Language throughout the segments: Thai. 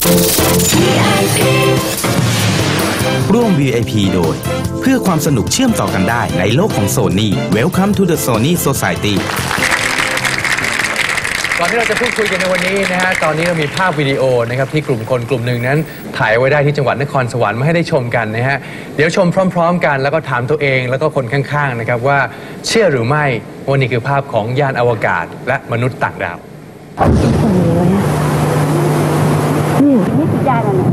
ร่วม VIP โดยเพื่อความสนุกเชื่อมต่อกันได้ในโลกของ Sony Welcome to the Sony Society ก่อนที่เราจะพูดคุยกันในวันนี้นะฮะตอนนี้เรามีภาพวิดีโอนะครับที่กลุ่มคนกลุ่มหนึ่งนั้นถ่ายไว้ได้ที่จังหวัดนครสวรรค์มาให้ได้ชมกันนะฮะเดี๋ยวชมพร้อมๆกันแล้วก็ถามตัวเองแล้วก็คนข้างๆนะครับว่าเชื่อหรือไม่ว่านี่คือภาพของยานอวกาศและมนุษย์ต่างดาวนี่คือยานอะไร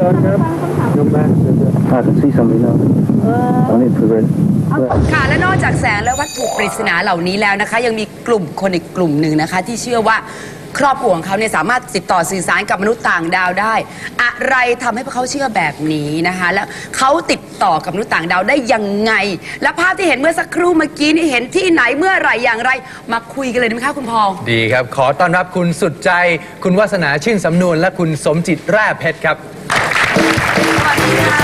ค่ะและนอกจากแสงและวัตถุปริศนาเหล่านี้แล้วนะคะยังมีกลุ่มคนอีกกลุ่มหนึ่งนะคะที่เชื่อว่าครอบครัวของเขาเนี่ยสามารถติดต่อสื่อสารกับมนุษย์ต่างดาวได้อะไรทำให้พวกเขาเชื่อแบบนี้นะคะแล้วเขาติดต่อกับมนุษย์ต่างดาวได้ยังไงและภาพที่เห็นเมื่อสักครู่เมื่อกี้นี่เห็นที่ไหนเมื่อไหร่อย่างไรมาคุยกันเลยได้ไหมคะคุณพองดีครับขอต้อนรับคุณสุดใจคุณวาสนาชื่นสำนวนและคุณสมจิตแร่เพชรครับสวัสดีค่ะ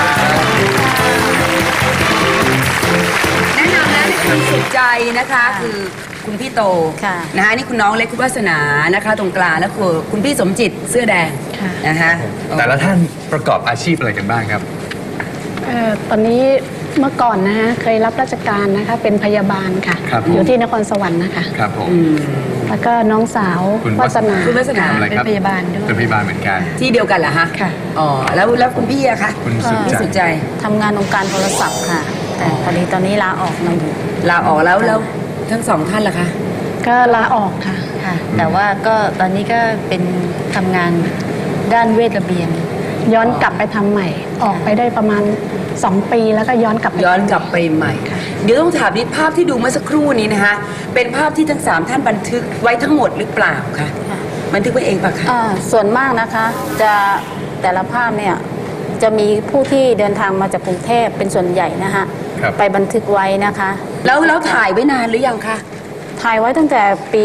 แนะนำนะนี่คุณสุดใจนะคะคือคุณพี่โตนะคะนี่คุณน้องเล็กคุณวาสนานะคะตรงกลางแล้วคือคุณพี่สมจิตเสื้อแดงนะคะแต่ละท่านประกอบอาชีพอะไรกันบ้างครับตอนนี้เมื่อก่อนนะฮะเคยรับราชการนะคะเป็นพยาบาลค่ะอยู่ที่นครสวรรค์นะคะครับผมแล้วก็น้องสาววาสนาคุณวาสนาเป็นพยาบาลด้วยเป็นพยาบาลเหมือนกันที่เดียวกันเหรอฮะค่ะอ๋อแล้วคุณพี่อะคะคุณสุดใจทำงานองค์การโทรศัพท์ค่ะแต่พอดีตอนนี้ลาออกมาอยู่ลาออกแล้วทั้งสองท่านล่ะคะก็ลาออกค่ะแต่ว่าก็ตอนนี้ก็เป็นทำงานด้านเวชระเบียนย้อนกลับไปทำใหม่ออกไปได้ประมาณ2 ปีแล้วก็ย้อนกลับไปใหม่เดี๋ยวต้องถามนิดภาพที่ดูเมื่อสักครู่นี้นะคะเป็นภาพที่ทั้ง3ท่านบันทึกไว้ทั้งหมดหรือเปล่าคะบันทึกไว้เองปะคะส่วนมากนะคะจะแต่ละภาพเนี่ยจะมีผู้ที่เดินทางมาจากกรุงเทพเป็นส่วนใหญ่นะคะไปบันทึกไว้นะคะแล้วถ่ายไว้นานหรือยังคะถ่ายไว้ตั้งแต่ปี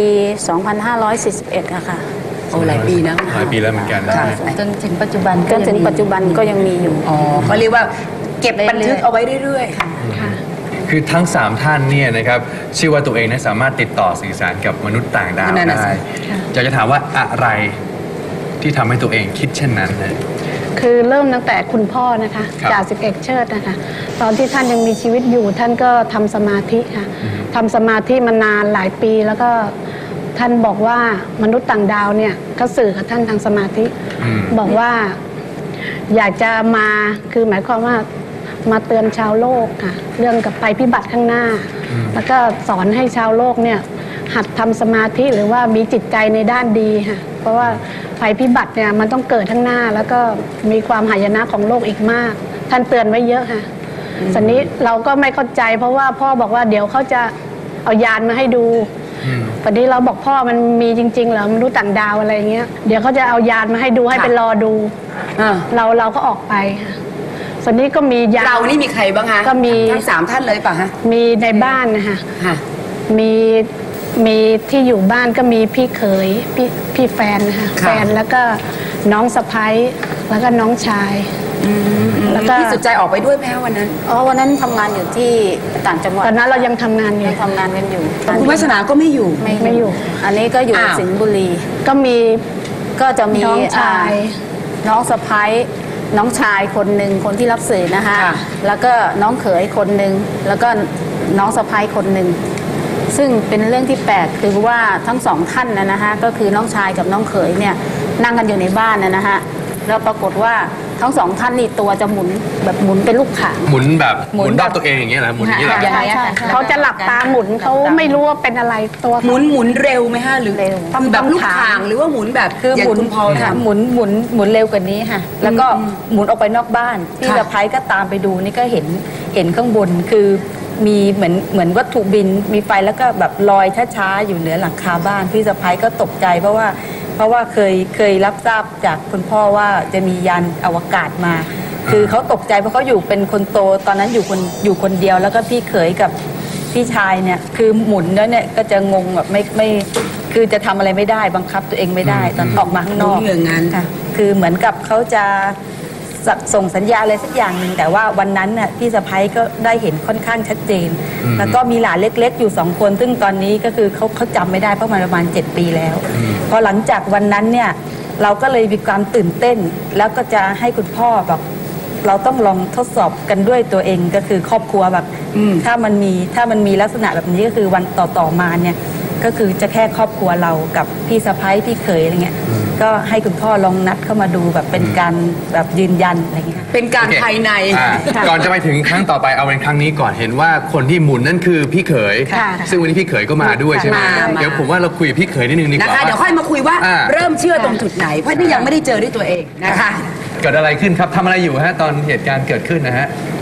2541อะค่ะโอ้หลายปีนะหลายปีแล้วเหมือนกันจนถึงปัจจุบันก็ยังมีอยู่อ๋อเขาเรียกว่าเก็บบันทึกเอาไว้เรื่อยๆค่ะคือทั้ง3ท่านเนี่ยนะครับเชื่อว่าตัวเองนั้นสามารถติดต่อสื่อสารกับมนุษย์ต่างดาวได้อยากจะถามว่าอะไรที่ทำให้ตัวเองคิดเช่นนั้นเลยคือเริ่มตั้งแต่คุณพ่อนะคะจ่าสิบเอกเชิดนะคะตอนที่ท่านยังมีชีวิตอยู่ท่านก็ทำสมาธิค่ะทำสมาธิมานานหลายปีแล้วก็ท่านบอกว่ามนุษย์ต่างดาวเนี่ยก็สื่อกับท่านทางสมาธิบอกว่าอยากจะมาคือหมายความว่ามาเตือนชาวโลกค่ะเรื่องกับภัยพิบัติข้างหน้าแล้วก็สอนให้ชาวโลกเนี่ยหัดทำสมาธิหรือว่ามีจิตใจในด้านดีค่ะเพราะว่าภัยพิบัติเนี่ยมันต้องเกิดข้างหน้าแล้วก็มีความหายนะของโลกอีกมากท่านเตือนไว้เยอะค่ะสันนี้เราก็ไม่เข้าใจเพราะว่าพ่อบอกว่าเดี๋ยวเขาจะเอายานมาให้ดูตอนนี้เราบอกพ่อมันมีจริงๆเหรอมนุษย์ต่างดาวอะไรเงี้ยเดี๋ยวเขาจะเอายานมาให้ดูให้ไปรอดูเราก็ออกไปค่ะส่วนนี้ก็มียานเรานี่มีใครบ้างคะก็มีทั้ง3ท่านเลยป่ะฮะมีในบ้านนะคะมีที่อยู่บ้านก็มีพี่เขยพี่แฟนนะคะแฟนแล้วก็น้องสะใภ้แล้วก็น้องชายแล้วก็พี่สุดใจออกไปด้วยไหมคะวันนั้นวันนั้นทำงานอยู่ที่ต่างจังหวัดตอนนั้นเรายังทำงานอยู่คุณวาสนาก็ไม่อยู่ไม่อยู่อันนี้ก็อยู่สิงห์บุรีก็จะมีน้องชายน้องสะใภ้น้องชายคนหนึ่งคนที่รับสื่อนะคะแล้วก็น้องเขยคนหนึ่งแล้วก็น้องสะใภ้คนหนึ่งซึ่งเป็นเรื่องที่แปลกคือว่าทั้ง2ท่านนะคะก็คือน้องชายกับน้องเขยเนี่ยนั่งกันอยู่ในบ้านนะคะแล้วปรากฏว่าทั้ง2ท่านนี่ตัวจะหมุนแบบหมุนเป็นลูกข่างหมุนแบบหมุนรอบตัวเองอย่างเงี้ยนะหมุนอย่างเงี้ยใช่เขาจะหลับตาหมุนเขาไม่รู้ว่าเป็นอะไรตัวหมุนเร็วไหมฮะหรือเร็วแบบลูกข่างหรือว่าหมุนแบบคือหมุนพอค่ะหมุนเร็วกว่านี้ค่ะแล้วก็หมุนออกไปนอกบ้านที่สะใภ้ก็ตามไปดูนี่ก็เห็นข้างบนคือมีเหมือนวัตถุบินมีไฟแล้วก็แบบลอยช้าๆอยู่เหนือหลังคาบ้านพี่สะใภ้ก็ตกใจเพราะว่าเคยรับทราบจากคุณพ่อว่าจะมียานอวกาศมาคือเขาตกใจเพราะเขาอยู่เป็นคนโตตอนนั้นอยู่คนเดียวแล้วก็พี่เขยกับพี่ชายเนี่ยคือหมุนแล้วเนี่ยก็จะงงแบบไม่คือจะทำอะไรไม่ได้บังคับตัวเองไม่ได้ตอนออกมาข้างนอกค่ะคือเหมือนกับเขาจะส่งสัญญาอะไรสักอย่างหนึ่งแต่ว่าวันนั้นน่ะพี่สะใภ้ก็ได้เห็นค่อนข้างชัดเจนแล้วก็มีหลานเล็กๆอยู่2 คนซึ่งตอนนี้ก็คือเขาจำไม่ได้เพราะมันประมาณ7 ปีแล้วพอหลังจากวันนั้นเนี่ยเราก็เลยมีความตื่นเต้น แล้วก็จะให้คุณพ่อแบบเราต้องลองทดสอบกันด้วยตัวเองก็คือครอบครัวแบบถ้ามันมีลักษณะแบบนี้ก็คือวันต่อมาเนี่ยก็คือจะแค่ครอบครัวเรากับพี่สะพ้ายพี่เขยอะไรเงี้ยก็ให้คุณพ่อลองนัดเข้ามาดูแบบเป็นการแบบยืนยันอะไรเงี้ยเป็นการภายในก่อนจะไปถึงครั้งต่อไปเอาเป็นครั้งนี้ก่อนเห็นว่าคนที่หมุนนั่นคือพี่เขยค่ะซึ่งวันนี้พี่เขยก็มาด้วยใช่ไหมมาเดี๋ยวผมว่าเราคุยกับพี่เขยนิดนึงดีกนะว่าคะเดี๋ยวค่อยมาคุยว่าอ่าเริ่มเชื่อตรงจุดไหน เพราะนี่ยังไม่ได้เจอด้วยตัวเองนะคะเกิดอะไรขึ้นครับทำอะไรอยู่ฮะตอนเหตุการณ์เกิดขึ้นนะฮะ